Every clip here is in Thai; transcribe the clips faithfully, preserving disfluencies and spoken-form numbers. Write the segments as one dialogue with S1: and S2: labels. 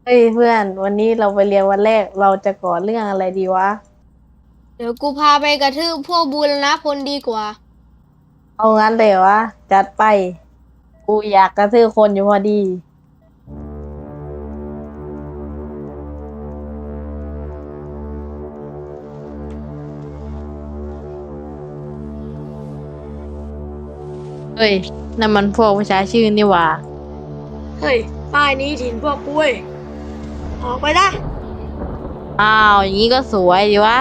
S1: เฮ้ยเพื่อนวันนี้เราไปเรียนวันแรกเราจะก่อเรื่องอะไรดีวะ
S2: เดี๋ยวกูพาไปกระทืบพวกบูรณะพลดีกว่า
S1: เอางั้นเลยวะจัดไปกูอยากกระทืบคนอยู่พอดีเฮ้ยนั่นมันพวกประชาชื่นนี่หว่า
S2: เฮ้ยป้ายนี้ถิ่นพวกกูเว้ยออกไปนะ
S1: อ้าวอย่างนี้ก็สวยดีวะ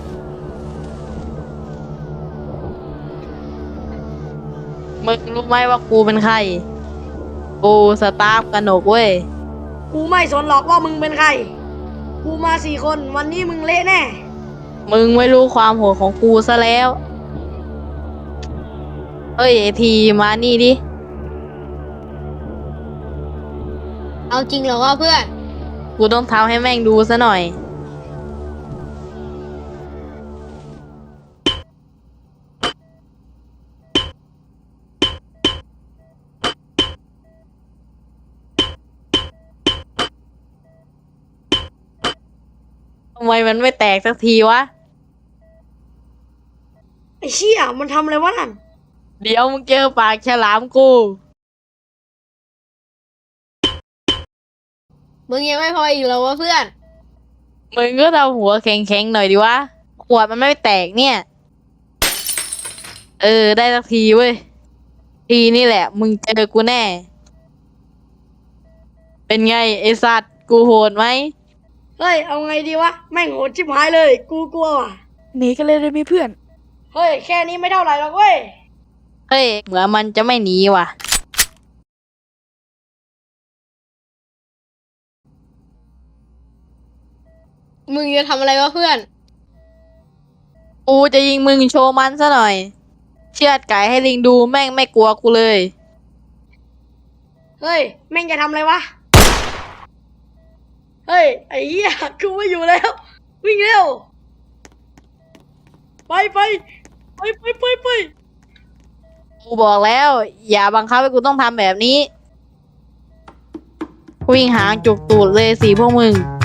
S1: มึงรู้ไหมว่ากูเป็นใครกูสตาฟกนกเว้ย
S2: กูไม่สนหรอกว่ามึงเป็นใครกูมาสี่คนวันนี้มึงเละแน่
S1: มึงไม่รู้ความโหดของกูซะแล้วเฮ้ยไอทีมานี่ดิ
S2: เอาจริงเหรอวะเพื่อน
S1: กูต้องทำให้แม่งดูซะหน่อย ทำไมมันไม่แตกสักทีวะ
S2: ไอ้เชี่ยมันทำอะไรวะนั่น
S1: เดี๋ยวมึงเจอปากฉลามกู
S2: มึงยังไม่พออีกเหรอวะเพื่อน
S1: มึงก็ทำหัวแข็งๆหน่อยดิวะ ขวดมันไม่แตกเนี่ย เออได้สักทีเว้ย ทีนี่แหละมึงเจอกูแน่ เป็นไงไอสัตว์กูโหดไหม
S2: เฮ้ยเอาไงดีวะแม่งโหดชิบหายเลยกูกลัวว่ะ
S3: หนีกันเลยได้ไหมเพื่อน
S2: เฮ้ยแค่นี้ไม่เท่าไหร่หรอกเว้ย
S1: เฮ้ยเหมือนมันจะไม่หนีว่ะ
S2: มึงจะทำอะไรวะเพื่อน
S1: กูจะยิงมึงโชว์มันซะหน่อย เชือดไก่ให้ลิงดูแม่งไม่กลัวกูเลย
S2: เฮ้ยแม่งจะทำอะไรวะเฮ้ยไอ้เหี้ยกูไม่อยู่แล้ววิ่งเร็วไปไปไปไปไปไป
S1: กูบอกแล้ว อย่าบังคับให้กูต้องทำแบบนี้ วิ่งหางจุกตูดเลยสิพวกมึง